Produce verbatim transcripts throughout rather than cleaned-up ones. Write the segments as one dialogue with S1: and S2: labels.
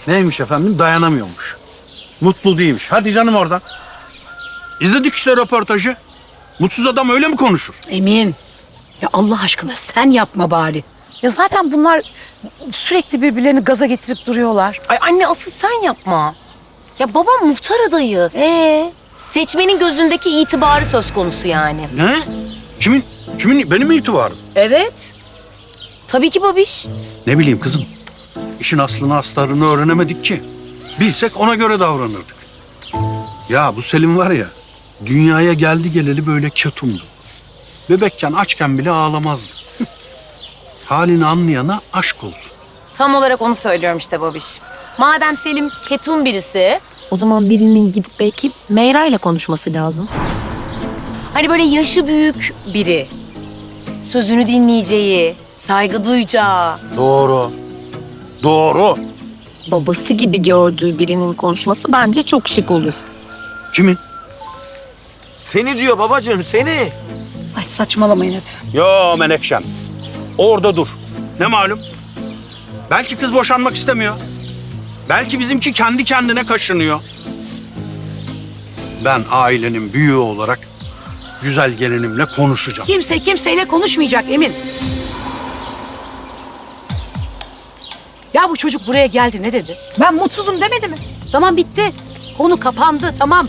S1: Neymiş efendim? Dayanamıyormuş. Mutlu değilmiş. Hadi canım oradan. İzledik işte röportajı. Mutsuz adam öyle mi konuşur?
S2: Emin. Ya Allah aşkına sen yapma bari. Ya zaten bunlar sürekli birbirlerini gaza getirip duruyorlar.
S3: Ay anne asıl sen yapma. Ya babam muhtar adayı. Ee, seçmenin gözündeki itibarı söz konusu yani.
S1: Ne? Kimin? Kimin? Benim mi itibarım?
S3: Evet. Tabii ki babiş.
S1: Ne bileyim kızım. İşin aslını astarını öğrenemedik ki. Bilsek ona göre davranırdık. Ya bu Selim var ya, dünyaya geldi geleli böyle ketumdu. Bebekken açken bile ağlamazdı. Halini anlayana aşk olsun.
S3: Tam olarak onu söylüyorum işte babiş. Madem Selim ketum birisi, o zaman birinin gidip belki Meyra ile konuşması lazım. Hani böyle yaşı büyük biri. Sözünü dinleyeceği, saygı duyacağı.
S1: Doğru. Doğru.
S3: Babası gibi gördüğü birinin konuşması bence çok şık olur.
S1: Kimin?
S4: Seni diyor babacığım, seni.
S2: Ay saçmalamayın hadi.
S1: Yo Menekşem. Orada dur. Ne malum? Belki kız boşanmak istemiyor. Belki bizimki kendi kendine kaşınıyor. Ben ailenin büyüğü olarak güzel gelinimle konuşacağım.
S2: Kimse kimseyle konuşmayacak Emin. Ya bu çocuk buraya geldi ne dedi? Ben mutsuzum demedi mi? Tamam bitti. Konu kapandı tamam.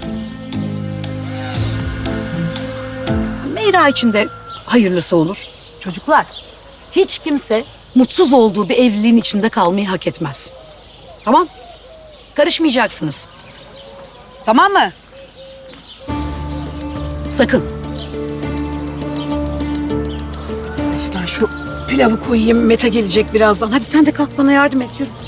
S2: Meyra için de hayırlısı olur. Çocuklar hiç kimse mutsuz olduğu bir evliliğin içinde kalmayı hak etmez. Tamam? Karışmayacaksınız. Tamam mı? Sakın. Ben şu pilavı koyayım. Mete gelecek birazdan. Hadi sen de kalk bana yardım et. Yürü.